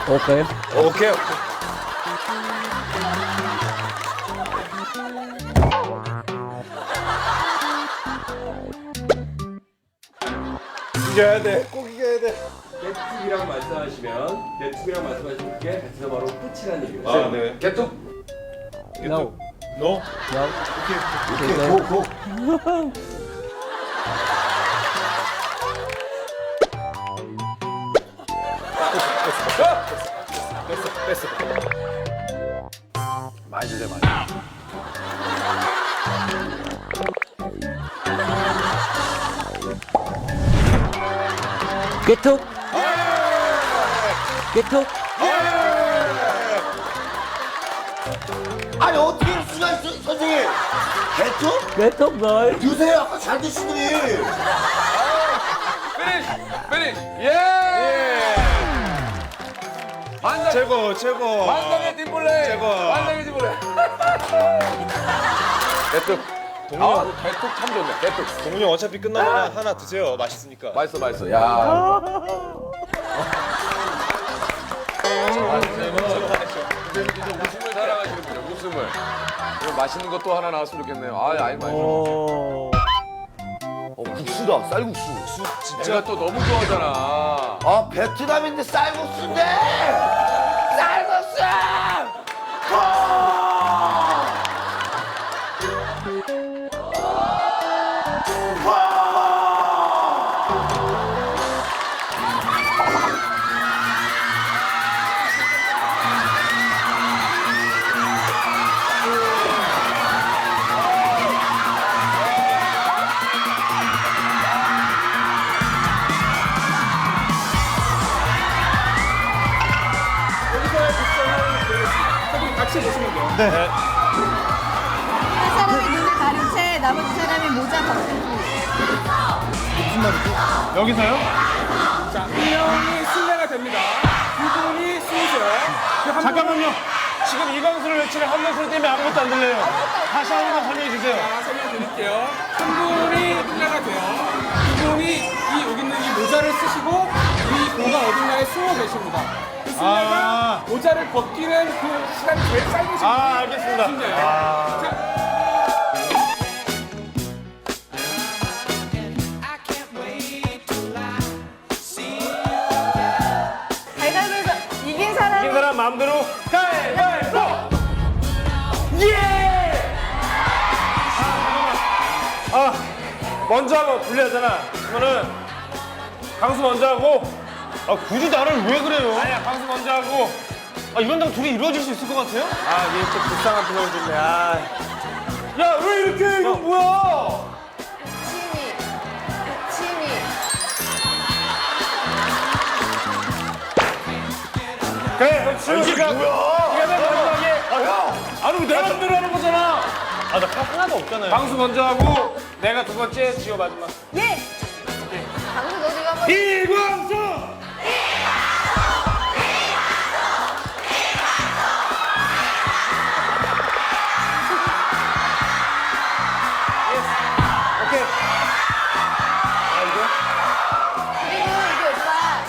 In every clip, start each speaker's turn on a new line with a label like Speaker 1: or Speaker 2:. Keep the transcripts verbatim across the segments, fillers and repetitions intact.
Speaker 1: 오케이.
Speaker 2: 오케이. 이겨야 돼. 꼭 이겨야 돼.
Speaker 3: 개툭이라고 말씀하시면 개툭이라고 말씀하시면 그게 베트남 바로 끝이라는 얘기예요.
Speaker 2: 아, 네.
Speaker 3: 개툭.
Speaker 1: No.
Speaker 2: 너?
Speaker 1: No.
Speaker 2: 오케이. 고, 고. 됐어, 됐어. 많이 주세요, 많이.
Speaker 1: kết thúc. kết thúc.
Speaker 4: 아니 어떻게 이럴 수가 있어 선생님? 개투?
Speaker 1: kết thúc rồi.
Speaker 4: 주세요 아까 잘 드시더니.
Speaker 3: 피니시! 피니시! 예! 완전,
Speaker 2: 최고, 최고.
Speaker 3: 완전의 팀플레이!
Speaker 2: 최고.
Speaker 3: 완전의 팀플레이! 개툭.
Speaker 2: 동료,
Speaker 3: 아, 개툭 참 좋네. 개툭.
Speaker 2: 동료 어차피 끝나면 하나 드세요. 맛있으니까.
Speaker 3: 맛있어, 맛있어. 야. 웃음을 사랑하시는군요. 웃음을. 그럼 맛있는 것도 하나 나왔으면 좋겠네요. 아, 아이 맛있어.
Speaker 1: 오.
Speaker 4: 어 국수다 쌀국수.
Speaker 3: 제가 또 너무 좋아하잖아.
Speaker 4: 아 베트남인데 쌀국수인데. 쌀국수.
Speaker 5: 한 사람이 눈을 가린 채 나머지 사람이 모자 벗고
Speaker 6: 여기서요? 자, 한 명이 술래가 됩니다. 두 분이 숨으세요. 그한 잠깐만요. 지금 이광수를 외치는 한 명술 때문에 아무것도 안 들려요. 다시 한 번 설명해 주세요. 자, 설명드릴게요. 한 분이 술래가 돼요. 두 분이 이 여기 있는 이 모자를 쓰시고 이 공간 어딘가에 숨어 계십니다. 그 술래가 모자를 벗기는 그 시간이 제일 짧으신 분이 아, 알겠습니다. 자,
Speaker 5: 가위바위보에서 이긴 사람이
Speaker 6: 이 사람 마음대로 가위바위보! 예! 아, 잠깐만. 아, 먼저 하면 불리하잖아. 그러면은 강수 먼저 하고. 아, 굳이 나를 왜 그래요? 아니야, 강수 먼저 하고. 아, 이런다고 둘이 이루어질 수 있을 것 같아요? 아, 얘 또 불쌍한 표정을 짓네. 아. 야, 왜 이렇게 해? 이건 뭐야?
Speaker 5: 친이 친이
Speaker 6: 그래, 그럼 지금 이게 뭐야? 이게 맨 마지막에. 아, 형! 아니, 왜 내가 맘대로 하는 거잖아. 아, 나 하나도 없잖아요. 방수 먼저 하고, 내가 두 번째, 지호 마지막.
Speaker 5: 예! 방금 너 지금 한번
Speaker 6: 이광수! 오케이. 아, 이거?
Speaker 5: 그리고 이게 오빠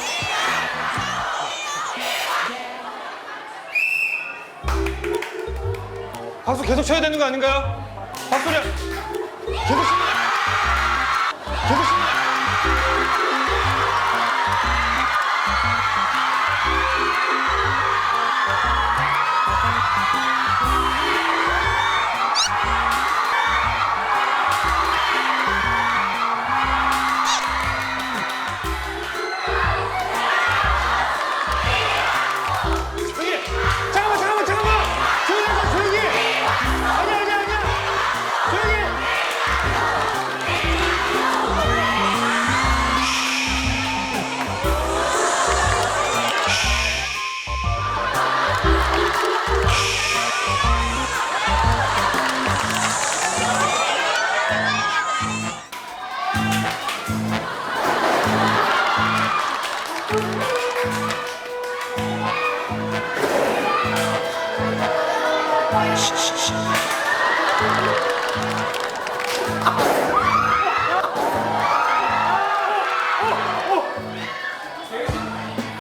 Speaker 6: 박수 계속 쳐야 되는 거 아닌가요? 박수를 계속 치 계속 치 조용히! 잠깐만 잠깐만 잠깐만! 조용히 하자 조용히! 아니야 아니야 아니야! 조용히!